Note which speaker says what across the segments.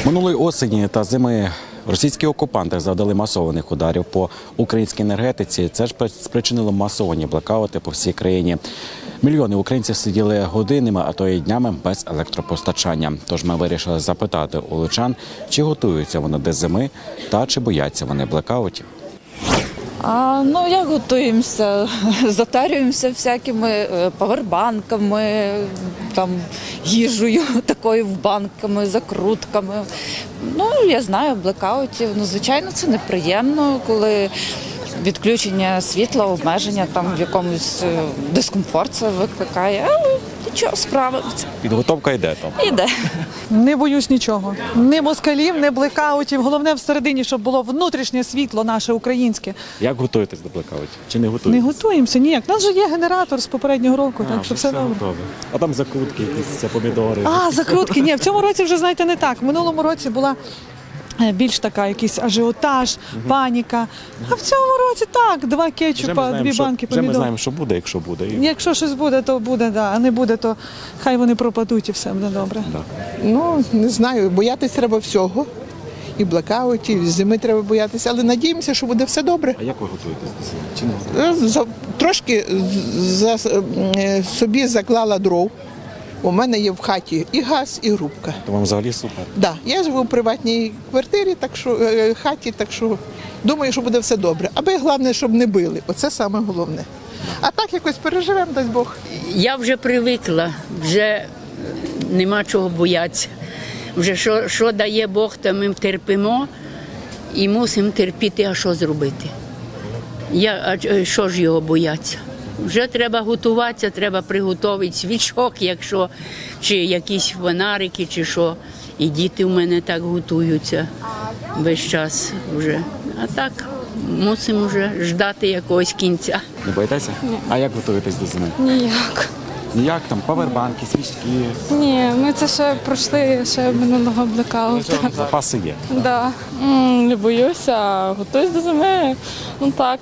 Speaker 1: Минулої осені та зими російські окупанти завдали масованих ударів по українській енергетиці. Це ж спричинило масовані блекаути по всій країні. Мільйони українців сиділи годинами, а то й днями без електропостачання. Тож ми вирішили запитати у лучан, чи готуються вони до зими та чи бояться вони блекаутів.
Speaker 2: Як готуємося? Затарюємося всякими павербанками, їжею такою в банками, закрутками. Я знаю, блекаутів. Звичайно, це неприємно, коли відключення світла, обмеження в якомусь дискомфорт це викликає. Але нічого, справимося.
Speaker 1: Підготовка йде там?
Speaker 2: Іде.
Speaker 3: Не боюсь нічого. Ні москалів, ні блекаутів. Головне всередині, щоб було внутрішнє світло наше українське.
Speaker 1: Як готуєтесь до блекаутів? Чи не готуєтесь?
Speaker 3: Не готуємося ніяк. У нас же є генератор з попереднього року, так що все добре.
Speaker 1: готове. А там закрутки, якісь помідори.
Speaker 3: Закрутки. Ні, в цьому році вже, знаєте, не так. В минулому році була більш така якийсь ажіотаж, паніка. А в цьому році так, 2 кетчупа, 2 банки помідор.
Speaker 1: Вже ми знаємо, що буде, якщо буде.
Speaker 3: Якщо щось буде, то буде, а не буде, то хай вони пропадуть і все буде добре.
Speaker 4: Не знаю, боятися треба всього. І блекаутів, і зими треба боятися, але надіємося, що буде все добре.
Speaker 1: А як ви готуєтесь до зими? Чи не?
Speaker 4: Трошки собі заклала дров. У мене є в хаті і газ, і грубка.
Speaker 1: То вам взагалі супер.
Speaker 4: Да, я живу в приватній квартирі, хаті, так що думаю, що буде все добре. Аби головне, щоб не били. Оце саме головне. А так якось переживемо, дасть Бог.
Speaker 5: Я вже привикла, вже нема чого боятися. Вже що дає Бог, то ми терпимо і мусимо терпіти, а що зробити. Що ж його бояться? Вже треба готуватися, треба приготувати свічок, чи якісь фонарики, чи що. І діти в мене так готуються весь час вже. А так мусимо вже ждати якогось кінця.
Speaker 1: Не боїтеся? Ні. А як готуєтесь до зими?
Speaker 6: Ніяк.
Speaker 1: Ніяк там павербанки, свічки.
Speaker 6: Ні, ми це ще пройшли минулого блекауту.
Speaker 1: Запаси є.
Speaker 6: Да. Не боюся, готуюсь до зими. Так.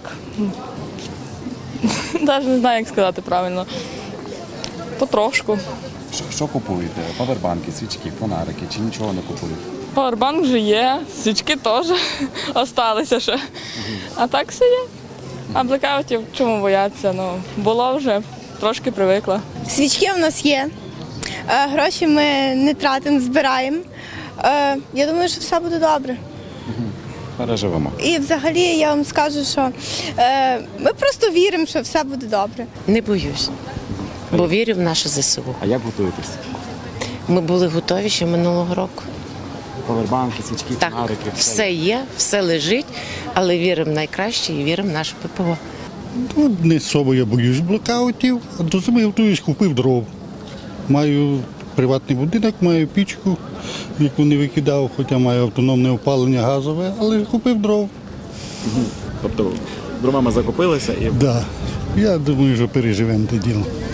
Speaker 6: Навіть не знаю, як сказати правильно. Потрошку.
Speaker 1: Що купуєте? Павербанки, свічки, фонарики чи нічого не купуєте?
Speaker 6: Павербанк вже є, свічки теж залишилися ще. А так все є. А блекаутів чому боятися? Було вже, трошки привикла.
Speaker 7: Свічки в нас є, гроші ми не тратимо, збираємо. Я думаю, що все буде добре.
Speaker 1: Переживемо.
Speaker 7: І взагалі я вам скажу, що ми просто віримо, що все буде добре.
Speaker 8: Не боюсь, бо вірю в наше ЗСУ.
Speaker 1: А як готуєтесь?
Speaker 8: Ми були готові ще минулого року.
Speaker 1: Павербанки, свічки,
Speaker 8: Так,
Speaker 1: фонарики.
Speaker 8: все є, все лежить, але віримо в найкраще і віримо в наше ППО.
Speaker 9: Не особо я боюсь блекаутів, а до зими готуюсь, купив дров. Маю приватний будинок, маю пічку, яку не викидав, хоча маю автономне опалення газове, але купив дров.
Speaker 1: Тобто дровами закупилися і...
Speaker 9: Да. Я думаю, що переживемо те діло.